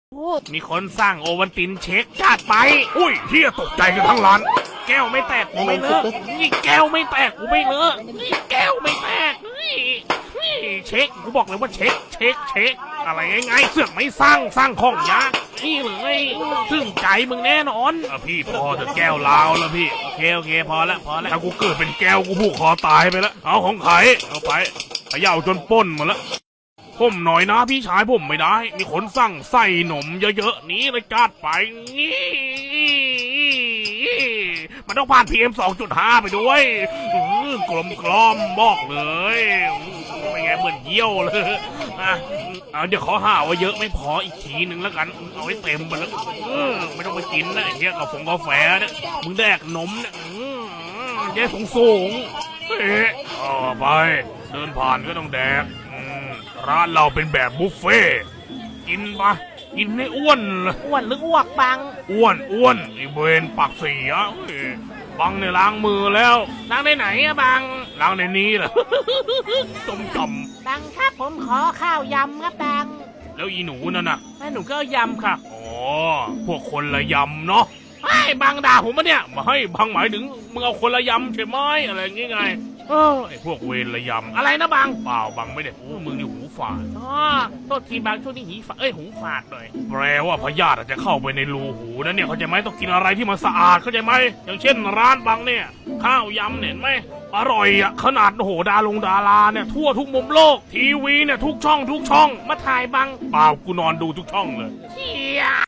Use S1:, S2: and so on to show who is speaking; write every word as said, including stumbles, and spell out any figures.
S1: โอ้มีคนสร้างโอวันตินเช็คจัดไปอุ้ยเฮียตกใจกันทั้งร้านแก้วไม่แตกกูไม่เลอะนี่แก้วไม่แตกกูไม่เลอะนี่แก้วไม่แตกนี่นี่เช็คกูบอกเลยว่าเช็คเช็คเช็คอะไรง่ายๆเสือกไม่สร้างสร้างของยากนี่เลยซึ่งใจมึงแน่นอนอ่ะพี่พอเถอะแก้วลาวแล้วพี่โอเคโอเคพอละพอละถ้ากูเกิดเป็นแก้วกูผูกคอตายไปแล้วเอาของใครเอาไปเขย่าจนป้นหมดแล้วผมหน่อยนะพี่ชายผมไม่ได้มีคนสั่งใส่หนมเยอะๆนี้เลยจัดไปนี่มันต้องผ่าน พี เอ็ม สองจุดห้า ไปด้วยกลมกล่อมบอกเลยไม่ไงเหมือนเยี่ยวเลยอ่ะเดี๋ยวขอหาว่าเยอะไม่พออีกทีหนึ่งแล้วกันเอาไว้เต็มไปแล้วไม่ต้องไปกินนะไอ้เหี้ยกับผงกาแฟเนี่ยมึงแดกนมเนี่ยแย่สูงสูงเอ๊ะต่อไปเดินผ่านก็ต้องแดกร้านเราเป็นแบบบุฟเฟ่กินปะกินให้อ้วนเลยอ้วนหรืออ้วกบังอ้วนอ้วนไอเวนปากเสียบังเนี่ยล้างมือแล้วล้างในไหนอะบังล้างในนี้แหละจมจมบังครับผมขอข้าวยำครับบังแล้วอีหนูนั่นน่ะแม่หนูก็ยำค่ะอ๋อพวกคนละยำเนาะไอ้บังด่าผมปะเนี่ยมาให้บังหมายถึงมึงเอาคนละยำใช่ไหมอะไรอย่างงี้ไงเออไอพวกเวรระยำอะไรนะบังเปล่าบังไม่ได้โอ้มึงนี่หูฝาดอ๋อโทษทีบังช่วงนี้หีฝาดเอ้ยหูฝาดหน่อยแปลว่าพยาธิอาจจะเข้าไปในรูหูนะเนี่ยเข้าใจไหมต้องกินอะไรที่มันสะอาดเข้าใจไหมอย่างเช่นร้านบังเนี่ยข้าวยำเห็นไหมอร่อยอ่ะขนาดโหดาลงดาราเนี่ยทั่วทุกมุมโลกทีวีเนี่ยทุกช่องทุกช่องมาถ่ายบังเปล่ากูนอนดูทุกช่องเลยเฮีย